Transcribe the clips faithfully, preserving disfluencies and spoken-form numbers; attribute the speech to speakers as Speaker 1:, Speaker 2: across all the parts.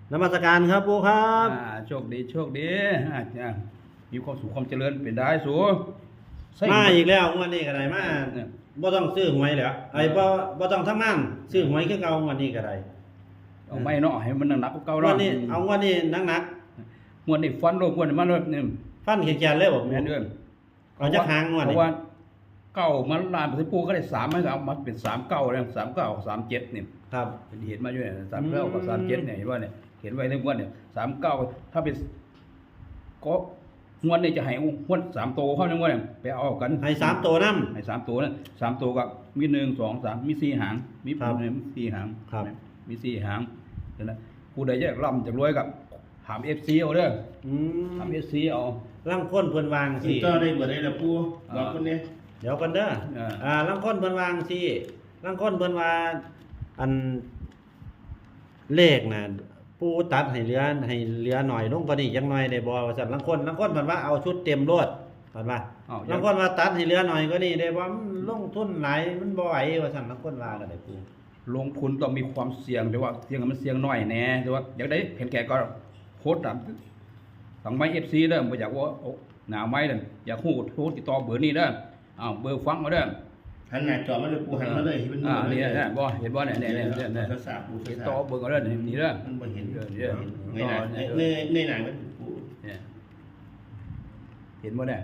Speaker 1: นมัสการครับปู่ครับ
Speaker 2: อ่าโชคดีโชคดีอ่ามีความสุขความเจริญเป็นได้สู
Speaker 1: มาอีกแล้วงวดนี้ก็ได้มา
Speaker 2: เนี่ย
Speaker 1: บ่ต้องซื้อหวยแล้วไอ้บ่บ่ต้องทำงานซื้อหวยคือเก่างวดนี้ก็ได้
Speaker 2: เอาไม่เนาะให้มันหนักๆเก่าง
Speaker 1: ว
Speaker 2: เนาะ
Speaker 1: ดนี้เอางวดนี้หนัก
Speaker 2: งวดนี้ฟันโลกงวดนี้มาเลยนี่
Speaker 1: ๆฟันเขียนๆเลยบ่
Speaker 2: แม่
Speaker 1: ปู่
Speaker 2: นเด้อ
Speaker 1: เอาจักหางงวด
Speaker 2: เพ
Speaker 1: นี้
Speaker 2: ราะว่าเก้ามันลานไปปูก็ได้สามมันก็เอามาเป็นสามเก้าแล้วสามเก้าสามเจ็ดนี่
Speaker 1: ครับ
Speaker 2: เป็นเหตุมาอยู่เนี่ยสามเก้ากับสามเจ็ดเนี่ยเห็นว่าเนี่ยเห็นไว้ในงวดเนี่ยสามเก้าถ้าเป็นก็งวดนี้จะให้งวดสามโตเข้าในงวดเนี่ยไปเอากัน
Speaker 1: ให้สามตัวนำ
Speaker 2: ให้สามตัวนะสามตัวก็มีหนึ่งสองสามมีสี่หางมี
Speaker 1: ครับ
Speaker 2: มีสี่หาง
Speaker 1: ครับ
Speaker 2: มีสี่หางเห็นไหมผู้ใดจะร่ำจะรวยกับถามเอฟซีเอาเด้อ
Speaker 1: อืม
Speaker 2: ถามเอฟซีเอา
Speaker 1: ลางคนเพิ่นวาง
Speaker 3: สิ
Speaker 1: สิ
Speaker 3: ต่อได้บ่ได้ล่ะปู่บอกคนนี้
Speaker 1: เดี๋ยวกันเด้อ
Speaker 2: อ่า
Speaker 1: อ่าลางคนเพิ่นวางสิลางคนเพิ่นว่าอันเลขน่ะปู่ตัดให้เหลือให้เหลือหน่อยลงกว่านี้จังหน่อยได้บ่ว่าซั่นลางคนลางคนเพิ่นว่าเอาชุดเต็มโลดเพิ่นว่า
Speaker 2: เอา
Speaker 1: ลางคนว่าตัดให้เหลือหน่อยกว่านี้ได้บ่มันลงทุนหลายมันบ่ไหวว่าซั่นลางคนว่าก็ได้ปู่
Speaker 2: ลงทุนต้องมีความเสี่ยงแต่ว่าเสี่ยงมันเสี่ยงน้อยแน่แต่ว่าอยากได้เห็นแก่ก็โคตรต่ำสั่งไม้เอฟซีเด้อบ่อยากว่าเอาหนาไม้เด้ออยากฮู้โทรติดต่อเบอร์นี้เด้ออ้าวเบอร์ฟังเอาเด้อ
Speaker 3: หันหน้าจอมาเลยปู่หันมาเลยให้มัน
Speaker 2: อ่านี่แหละบ่เห็นบ่เนี่ยเนี่ยเนี่ยเนี่ยเนี่ย
Speaker 3: ภาษาปู่
Speaker 2: ติด
Speaker 3: ภาษา
Speaker 2: ต่อเบอร์เอาเด้อนี่เด้อ
Speaker 3: มันบ่เห็น
Speaker 2: เดี๋ยว
Speaker 3: เ
Speaker 2: เดี๋ยว
Speaker 3: งยหน้าเงยเงยหน้ามันปู่
Speaker 2: เนี่ยเห็นบ่เนี่ย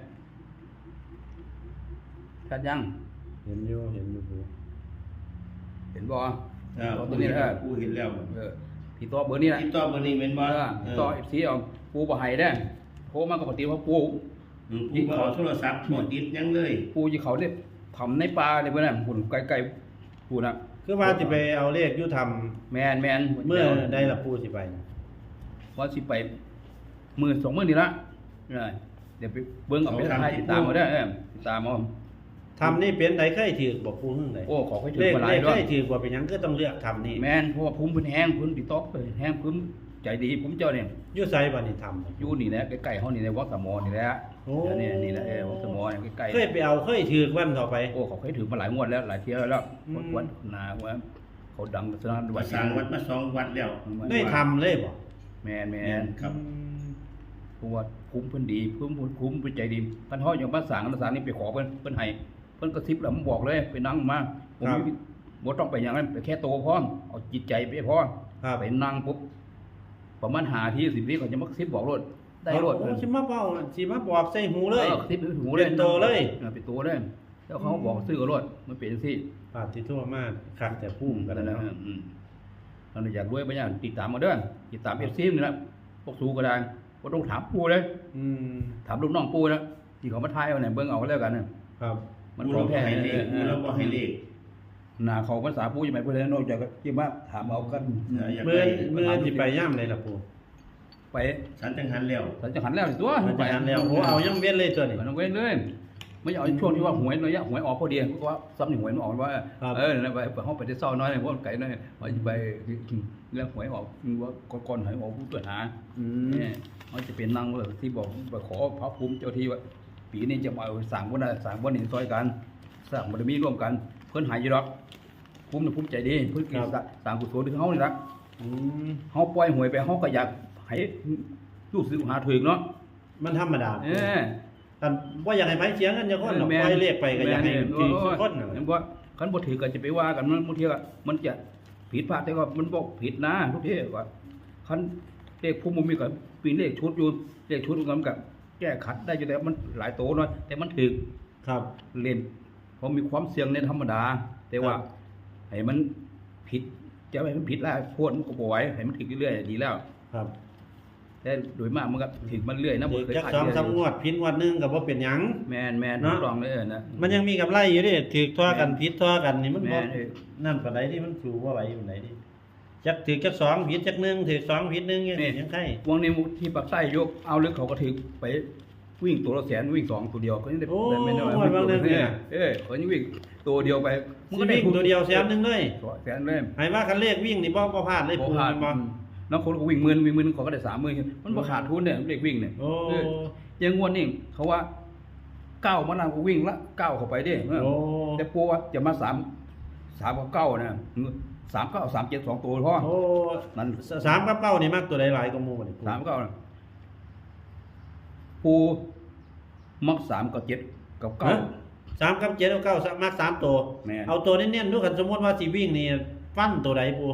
Speaker 2: ชัดยัง
Speaker 1: เห็นอยู่เห็นอยู่ปู่
Speaker 2: เห็นบ่
Speaker 3: อ่า
Speaker 2: ตัวนี้นะ
Speaker 3: ปู่เห็นแล้ว
Speaker 2: เออพี่ต่อเบอร์นี้นะ
Speaker 3: ติดต่อบ่นี่แม่นบ่
Speaker 2: เออพี่ต่อ เอฟ ซี เอาปูบ่ให้เด้อโทรมาก็ปกติว่าปู
Speaker 3: อืมปู่บ่เอาโทรศัพท์บ่ติดหยังเลย
Speaker 2: ปูสิเขาเนี่ยทำในป่าเลยเพิ่นน่ะหุ่นไกลๆปูน่ะ
Speaker 1: คือว่าสิไปเอาเลขอยู่ทำ
Speaker 2: แม่นแม่น
Speaker 1: เมื่อใดล่ะปู่สิไป
Speaker 2: ว่าสิไปมื้อสองมื้อนี่ละเออเดี๋ยวไปเบิ่งเอาไปถ่ายติดตามเอาเด้อเออติดตามเอา
Speaker 1: ทำนี่เป็นใดเคยถือบ่ปู่เพิ่งใด
Speaker 2: โอ้ขอให้ถึ
Speaker 1: เล
Speaker 2: ง
Speaker 1: ข
Speaker 2: มาห
Speaker 1: เล
Speaker 2: ลาย
Speaker 1: ข
Speaker 2: ด้ว
Speaker 1: เค
Speaker 2: ย
Speaker 1: ยถือบ่เป็นหยังก็ต้องเลือกทำนี่
Speaker 2: แม่นเพราะว่าภูมิเพิ่นแห้งเพิ่นพี่ต๊อกเอ้ยแห้งเพิ่นใจดีผมเจ้าเนี่ย
Speaker 1: อยู่ไสบ่นี่ทำ
Speaker 2: อยู่นี่แหละใกล้ๆเฮานี่แหละวัดสมอนี่แหละ
Speaker 1: โอ้
Speaker 2: นี่นี่แหละเออวัดสมอนี่ใกล้ๆ
Speaker 1: เคยไปเอาเคยถือวันต่อไป
Speaker 2: โอ้เขาเคยถือมาหลายงวดแล้วหลายเที่ยวแล้ว
Speaker 1: อืม
Speaker 2: วัดวัดนาว่าเขาดังสนั่นวั
Speaker 3: มา
Speaker 2: ด
Speaker 3: สร้างวัดมาสองวัดแล้ว
Speaker 1: ได้ทำเลยบ่
Speaker 2: แมนแม
Speaker 3: แม่
Speaker 2: น
Speaker 3: นครับ
Speaker 2: เพราะว่าคุ้มเพิ่นดีคุ้มเพิ่นคุ้มเพิ่นใจดีท่านเฮาอย่างภาษาภาษานี่ไปขอเพิ่นเพิ่นให้เพิ่นกระซิบแล้วผมบอกเลยไปนั่งมาผมบ่ต้องไปอย่างนั้นไปแค่โตพร้อมเอาจิตใจไปพร้อม
Speaker 1: ครับ
Speaker 2: ไปนั่งปุ๊บประมาณห้าทีสิบวิเขาจะมากระซิบบอกรถได้รถ
Speaker 1: โอ้สิมาเว้าสิมาบอกใส่หูเลย
Speaker 2: ออกระซิบไปหูเลย
Speaker 1: เป็นโตเลย
Speaker 2: ออเป็นโตเลยแล้วเขาบอกซื้อกับรถมันเป็นจังซี่
Speaker 1: ปาดที่ทั่วมากคักแต่พุ่มกัน
Speaker 2: นั่นแห
Speaker 1: แล้
Speaker 2: ละ
Speaker 1: ว
Speaker 2: อืมเราอยากรวยไปอย่างติดตามมาเด้อติดตามเอฟซีนี่แหละพวกสูก็ได้ก็ต้องถามปูเลย
Speaker 1: อืม
Speaker 2: ถามลูกน้องปูแล้วที่เขามาทายเอาเนี่ยเบิ่งเอาก็แล้วกันน่ะ
Speaker 1: ครับ
Speaker 2: มัน
Speaker 3: ปู่
Speaker 2: ขอ
Speaker 3: เรา
Speaker 2: ง
Speaker 3: บ่
Speaker 2: แท้
Speaker 3: ให้เลข
Speaker 2: เอ
Speaker 3: ปู่
Speaker 2: อ
Speaker 3: เราบ่ให้เลข
Speaker 2: หน้าเขาภาษาปูยังไงเพิ่นเลยนอกจากที่มาถามเอากัน
Speaker 3: เอออยาก
Speaker 1: เมื่อ
Speaker 3: ได้
Speaker 1: เมื่อสิไปย่ำเลยล่ะปู่
Speaker 2: ไป
Speaker 3: ฉันจังหันแล้ว
Speaker 2: สันจะหันแล้วสิตัว
Speaker 1: มันจะหันแล้วโอ้เอายังเว้นเลยตัวนี้
Speaker 2: มันต้องเว้นเลยไม่เอาช่วงที่ว่าหวยระยะหวยออกพอดีเพราะว่าซ้ำนี่หวยมันออกว่า
Speaker 1: ครับ
Speaker 2: เออนั่นไปไปเฮาไปได้เศร้าน้อยเพราะมันไกลน้อยว่าสิไปแล้วหวยออกว่าก่อนๆหวยออกผู้ตรวจหา
Speaker 1: อืม
Speaker 2: เนี่ยเขาจะเป็นนางเลยที่บอกไปขอพระภูมิเจ้าที่ว่าปีนี้จะมาเอาสั่งวันใดสั่งวันหนึ่งซอยกันสั่งบารมีร่วมกัน เพิ่นหายอยู่ดอกภูมิน่ะภูมิใจดีเพิ่นกินสั่งกุศลถึงเฮานี่ละ
Speaker 1: อืม
Speaker 2: เฮาปล่อยหวยไปเฮาก็อยากให้ลูกศิษย์หาถึงเนาะ
Speaker 1: มันธรรมดา
Speaker 2: เออ
Speaker 1: กันบ่อยากให้ไผเสียเงินจักคนหรอกปล่อยเลขไปก็อยากให้ถือทุกคนน่ะ
Speaker 2: แม่นบ่คันบ่ถือก็จะไปว่ากันมันบางทีก็มันจะผิดพลาดแต่ก็มันบ่ผิดนะทุกทีก็คันเลขภูมิบ่มีก็ปีเลขชุดอยู่เลขชุดมันก็แก้ขัดได้อยู่แต่มันหลายโตหน่อยแต่มันถึก
Speaker 1: ครับ
Speaker 2: เล่นเพราะมีความเสี่ยงในธรรมดา แต่ว่า
Speaker 1: ครับ
Speaker 2: ให้มันผิดจะให้มันผิดแล้วพวดมันก็บ่ไหวให้มันถึกเรื่อยๆดีแล้ว
Speaker 1: ครับ
Speaker 2: แต่โดยมากมันก็ถึกมันเรื่อยนะบ่
Speaker 1: ถือ
Speaker 2: เคย
Speaker 1: จัก
Speaker 2: ขาด
Speaker 1: สอง
Speaker 2: เรื่อย
Speaker 1: สามงวดผิดงวดหนึงก็บ่เป็นหยัง
Speaker 2: แม่นแม่น
Speaker 1: เนาะ
Speaker 2: ถูกต้องเลยเออนะ
Speaker 1: มันยังมีกำไรอยู่เดิถือทั่วกันผิดทั่วกันนี่มัน
Speaker 2: แม่
Speaker 1: บ่
Speaker 2: นเออ
Speaker 1: นั่นปานใดที่มันสู่ว่าไหวปานใดดิจักถือจักสองผิดจักหนึ่งถือสองผิดหนึ่งยังยังไง
Speaker 2: วงนี้ที่ปักใต้ยกเอาลึกเขาก็ถึกไปวิ่งตัวละแสนวิ่งสองตัวเดียวก็ยังได้
Speaker 1: โอ้
Speaker 2: ได้ไม่น้อย
Speaker 1: วันบางเรื่องเนี่ย
Speaker 2: เออเขายังวิ่งตัวเดียวไป
Speaker 1: สิวิ่งตัวเดียวแสนหนึงเลย
Speaker 2: แสนเลย
Speaker 1: ให้ว่าคันเลขวิ่งนี่บ่บ่พลาดเลย
Speaker 2: บ่
Speaker 1: ปู
Speaker 2: ขาด
Speaker 1: บ่
Speaker 2: น้องคนก็วิ่งหมื่นวิ่งหมื่นเขาก็ได้สามหมื่นมันบ่ขาดทุนเนี่ยเด็กวิ่งเนี่ย
Speaker 1: โอ้
Speaker 2: เออยังงวดนี่เขาว่าเก้ามันนำก็วิ่งละเก้าเข้าไปเด้
Speaker 1: โอ้
Speaker 2: แต่ปูว่าจะมาสามสามกับเก้านะสามเก้าสามเจ็ดสองตัวพ่อ
Speaker 1: โอ้
Speaker 2: นั่น
Speaker 1: สามกับเก้านี่มักตัวใดหลายกว่าหมู่บัดนี้ปู
Speaker 2: สามเก้าปูมักสามกับเจ็ดกับเก้า
Speaker 1: ฮะสามกับเจ็ดกับเก้ามักสามตัว
Speaker 2: แม่น
Speaker 1: เอาตัวเน้นๆดูกันสมมุติว่าสิวิ่งนี่ฟันตัวใดปู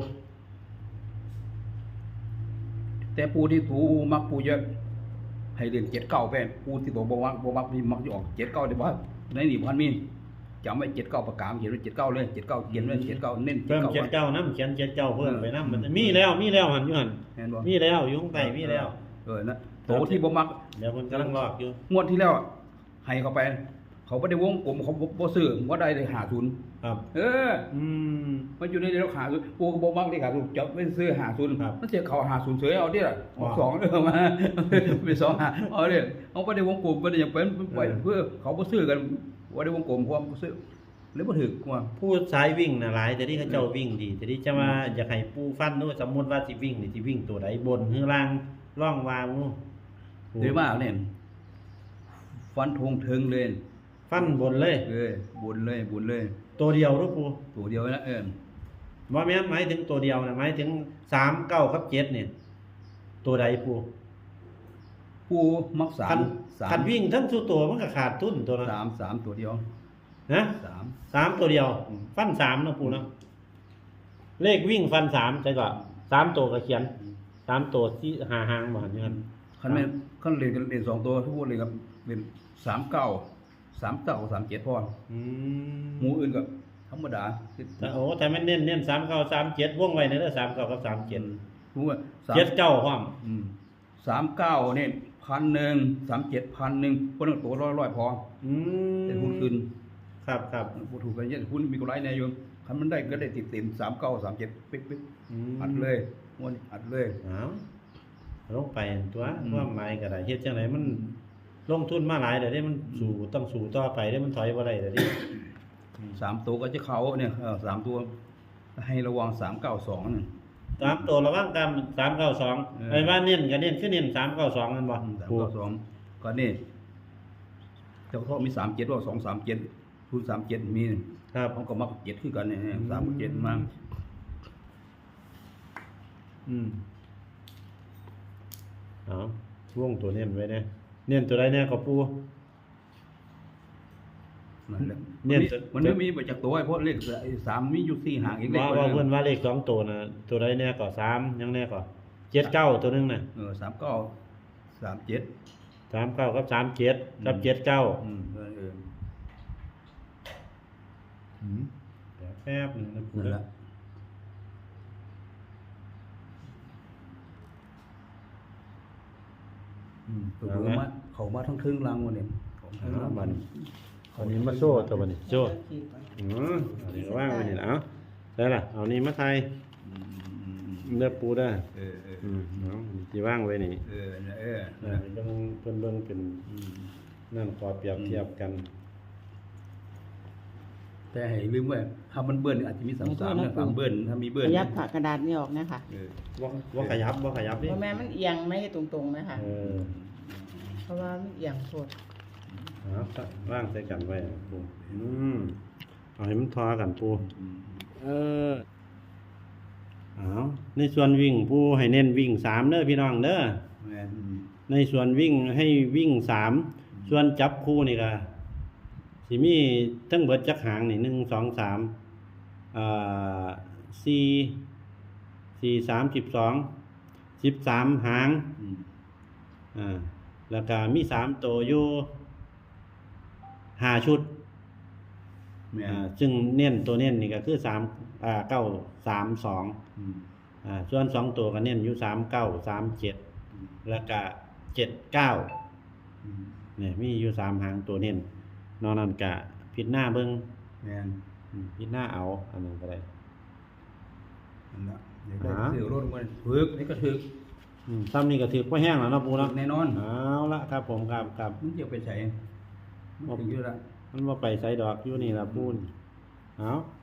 Speaker 2: แต่ปูที่ปูมักปูเยอะให้เรียนเจ็ดเก้าไปปูที่ตัวบมักบมักมีมักจะออกเจ็ดเก้าได้บ่ในนี่พันมีจำไว้เจ็ดเก้าประกาศเขียนไว้เจ็ดเก้าเลยเจ็ดเก้าเขียนไว้เจ็ดเก้าเน้นเจ็ด
Speaker 1: เพิ่ม
Speaker 2: เก้า
Speaker 1: เจ็ดเก้านํเขียนเจ็ดเก้าเพิ่มไปนํ
Speaker 2: เออ
Speaker 1: มันมีแล้วมีแล้วหั่นอยู่หั่น
Speaker 2: เห็นบ่
Speaker 1: มีแล้วอยู่ข้างใต้มีแล้ว
Speaker 2: เออนะโตที่บ่มัก
Speaker 1: เดี๋ยวเพิ่นกำลังลอกอยู่
Speaker 2: งวดที่แล้วอะให้เขาไป เขาไม่ได้วงกลมเขาบ่บ่ซื้อว่าได้เลยหาทุน
Speaker 1: ครับ
Speaker 2: เออ
Speaker 1: อืม
Speaker 2: มันอยู่ในเรื่องหาทุนปูก็บ่มักได้หาทุนจะไม่ซื้อหาทุน
Speaker 1: ครับ
Speaker 2: มันเสียเขาหาทุนเฉยเอาดิล่ะเอา
Speaker 1: ว้าว
Speaker 2: สองเด้อมาเป็นสองหาเอาเด้อเอาบ่ได้วงกลมบ่ได้หยังเป็นปล่อย
Speaker 1: เออ
Speaker 2: เพื่อเขาบ่ซื้อกันบ่ได้วงกลมความบ่ซื้อหรือบ่ถึกว่า
Speaker 1: ผู้สายวิ่งน่ะหลายแต่ที่เขาเจ้าวิ่งดีแต่ที่จะมาอยากให้ปูฟันดูสมมุติว่าสิวิ่งนี่สิวิ่งตัวใดบนหรือล่างร่องวางนู่น
Speaker 2: หรือว่าเนี่ยฟันธงถึงเลย
Speaker 1: ฟันบนเลย
Speaker 2: เออบุญเลยบุญเลย
Speaker 1: ตัวเดียวรูปู
Speaker 2: ตัวเดียวนะเออ
Speaker 1: ว่าแม่นหมายถึงตัวเดียวนะหมายถึงสามเก้ากับเจ็ดเนี่ยตัวใดปู
Speaker 2: ปูมักสา
Speaker 1: คั
Speaker 2: ม
Speaker 1: น
Speaker 2: สาม
Speaker 1: คันวิ่งทั้งสุตัวมันก็ขาดทุนตัวนั้น
Speaker 2: สามสามตัวเดียว
Speaker 1: นะ
Speaker 2: สาม
Speaker 1: สามตัวเดียว
Speaker 2: อืม
Speaker 1: ฟันสามนะปูเนาะเลขวิ่งฟันสามใช่ก่อนสามตัวก็เขียนสามตัวที่หาหางมาหันอย่างนั้น
Speaker 2: คันแม่นคันเรียนกันเรียนสองตัวทุกคนเลยครับเรียนสามเก้าสามเก้าสามเจ็ดพอ
Speaker 1: อืม
Speaker 2: หมู่อื่นก็ธรรมดา
Speaker 1: แต่โอ้แต่มันเน้นเน้นสามเก้าสามเจ็ดวงไว้ในเด้อสามเก้ากับสามเจ็ด
Speaker 2: หมู่ว่าสาม
Speaker 1: เจ็ดเก้าพร้อม
Speaker 2: อืมสามเก้าเนี่ยพันหนึ่งสามเจ็ดพันหนึ่งคนละตัวร้อยร้อยพอ
Speaker 1: อืม
Speaker 2: เป็นหุ้นคืน
Speaker 1: ครับครับ
Speaker 2: ผู้ถูกกันเยอะหุ้นมีกำไรแน่อยู่คันมันได้ก็ได้ติดเต็มสามเก้าสามเจ็ดปิ๊กปิ๊ก
Speaker 1: ม
Speaker 2: อัดเลยม้วนอัดเลย
Speaker 1: เอาลงไปตัว
Speaker 2: อืม
Speaker 1: ว่าหมายก็ได้เฮ็ดจังไดมันลงทุนมาหลายเดี๋ยวนี้มันสู่ต้องสู่ต่อไปเด้มันถอยบ่ได้เดี๋ยวนี้
Speaker 2: สามตัวก็จะเข้าเนี่ยเออสามตัวให้ระวังสามเก้าสองนี่
Speaker 1: สามตัวระวังกันสามเก้าสอง
Speaker 2: เออ
Speaker 1: ไอ้ว่าเน้นก็เน้นคือเน้นสามเก้าสองนั่นบ่
Speaker 2: สามเก้าสองก็นี่เจ้าพ่อมีสามเจ็ดว่าสองสามเจ็ดทุนสามเจ็ดมี
Speaker 1: ครับ
Speaker 2: เขาก็มักเจ็ดคือกันเนี่ยสามเจ็ดมา
Speaker 1: อืมเอาวงตัวเน้นไว้เด้เน้นตัวใดแน่ก็ปู
Speaker 2: นั่นแหละ
Speaker 1: เนี่ย
Speaker 2: มันไม่มีไปจากตัวไอ้เพราะเลขสามมีอยู่สี่หางอีกเลข
Speaker 1: ว่าว่าเพิ่นว่าเลขสองตัวน่ะตัวใดแน่ก็สามยังแน่ก็เจ็ดเก้าตัวหนึงน่ะ
Speaker 2: เออสามเก้าสามเจ็ด
Speaker 1: สามเก้ากับสามเจ็ดกับเจ็ดเก้า
Speaker 2: อืมเออเออ
Speaker 1: อืมเดี๋ยวแป๊บหนึงนะปู
Speaker 2: นั่นแห
Speaker 1: เด้อ
Speaker 2: ละ
Speaker 1: อืม
Speaker 2: ตัว
Speaker 1: เอา
Speaker 2: ดู
Speaker 1: ละ
Speaker 2: มาเขามาทั้งครึ่งรังวันนี้ของ
Speaker 1: เอา
Speaker 2: ครึ่งรัง
Speaker 1: บัดนี้เอานี้มาโซ่ตัวบัดนี้โซ่อืมเอานี้ก็ว่างไว้นี่ล่ะเอาได้ล่ะเอานี้มาไทย
Speaker 2: อืมอืมอืม
Speaker 1: เลือกปูได้
Speaker 2: เออเออ
Speaker 1: อืมเอาสิว่างไว้นี่
Speaker 2: เออเออเออ
Speaker 1: เออเบิ่งเพิ่นเบิ่งเป็น
Speaker 2: อืม
Speaker 1: นั่นขอเปรียบเทียบกัน
Speaker 2: แต่ให้ลืมว่าถ้ามันเบิ้ลอาจจะมีสามสามเนี่ยสามเบิ้ลถ้ามีเบิ้ล
Speaker 4: ขยับผ่ากระดาษนี่ออกนะคะ
Speaker 2: เออ
Speaker 1: บ่บ่ขยับบ่ขยับ
Speaker 4: เพ
Speaker 1: นี่
Speaker 4: ราะแม่มันเอียงไม่ตรงๆนะคะ
Speaker 1: เออ
Speaker 4: เพราะว่ามันเอียงโคตร
Speaker 1: เอาว่างใส่กันไว้ปูอืมเอาให้มันทอกันปู
Speaker 2: อืม
Speaker 1: เออเอาในส่วนวิ่งผู้ให้เน้นวิ่งสามเด้อพี่น้องเด้อ
Speaker 2: แม่นอืม
Speaker 1: ในส่วนวิ่งให้วิ่งสามส่วนจับคู่นี่ก็สิมีทั้งเบิดจักหางนี่หนึ่งสองสามอ่าสี่สี่สามสิบสองสิบสามหาง
Speaker 2: อืม
Speaker 1: อ่าแล้วก็มีสามตัวอยู่ห้าชุด
Speaker 2: แม่น
Speaker 1: อ่าซึ่งเน้นตัวเน้นนี่ก็คือสามอ่าเก้าสามสอง
Speaker 2: อืม
Speaker 1: อ่าส่วนสองตัวก็เน้นอยู่สามเก้าสามเจ็ด
Speaker 2: อืม
Speaker 1: แล้วก็เจ็ดเก้า
Speaker 2: อืม
Speaker 1: เนี่ยมีอยู่สามหางตัวเน้นนอกนั้นก็พิดหน้าเบิ้ง
Speaker 2: แม่น
Speaker 1: อืมพิดหน้าเอาอันนั้นก็ได้
Speaker 2: นั่นละเดี๋ยวได้
Speaker 1: อ่า
Speaker 2: เสือรถมันถึกนี่ก็ถึก
Speaker 1: อืมซ้ำนี่ก็ถือว่าแห้งแล้วเนาะปู
Speaker 2: ถึ
Speaker 1: เนาะ
Speaker 2: กแน่นอน
Speaker 1: เอาละครับผมครับครับ
Speaker 2: มันจะไปใส่มันถึงอยู่ละ
Speaker 1: มันว่าไปใส่ดอกอยู่นี่ละปูนเอา